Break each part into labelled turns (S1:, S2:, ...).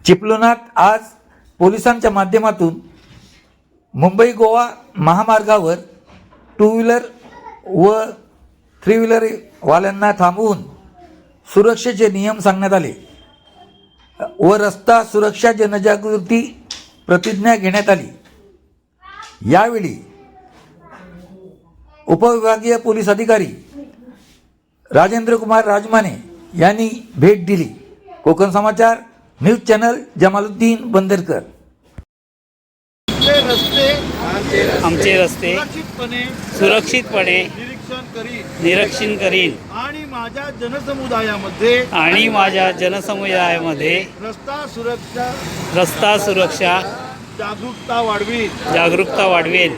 S1: चिपळुणात आज पोलिसांच्या माध्यमातून मुंबई गोवा महामार्गावर टू व्हीलर व थ्री व्हीलर वाल्यांना थांबवून सुरक्षेचे नियम सांगण्यात आले व रस्ता सुरक्षा जनजागृती प्रतिज्ञा घेण्यात आली। यावेळी उपविभागीय पोलीस अधिकारी राजेंद्र कुमार राजमाने यांनी भेट दिली। Kokan Samachar news channel Jamaluddin Bandarkar.
S2: आमचे रस्ते सुरक्षितपणे निरीक्षण करीन
S3: आणि माझ्या जनसमुदायामध्ये
S2: रस्ता सुरक्षा जागरूकता वाढवेल।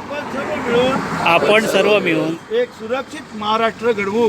S2: आपण सर्व मिळून
S3: एक सुरक्षित महाराष्ट्र घडवू।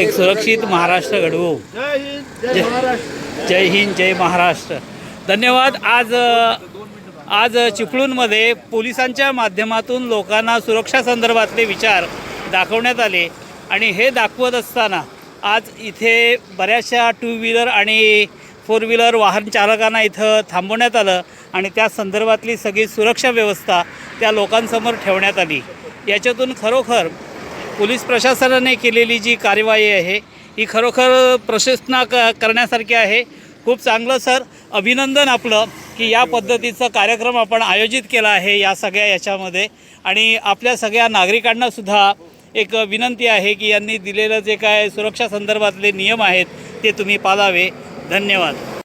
S3: जय हिंद, जय महाराष्ट्र।
S2: जय हिंद, जय महाराष्ट्र। धन्यवाद। आज चिपळूणमध्ये पोलिसांच्या माध्यमातून लोकांना सुरक्षा संदर्भातले विचार दाखवण्यात आले आणि हे दाखवत असताना आज इथे बऱ्याचशा टू व्हीलर आणि फोर व्हीलर वाहन चालकांना इथं थांबवण्यात आलं आणि त्या संदर्भातली सगळी सुरक्षा व्यवस्था त्या लोकांसमोर ठेवण्यात आली। याच्यातून खरोखर पोलीस प्रशासनाने केलेली जी कार्यवाही आहे ही खरोखर प्रशंसना करण्यासारखी आहे। खूप चांगलं सर, अभिनंदन आपलं की या पद्धतीचा कार्यक्रम आपण आयोजित केला आहे या सगळ्या याच्यामध्ये। आणि आपल्या सगळ्या नागरिकांनासुद्धा एक विनंती आहे की यांनी दिलेलं जे काय सुरक्षा संदर्भातले नियम आहेत ते तुम्ही पाळावे। धन्यवाद।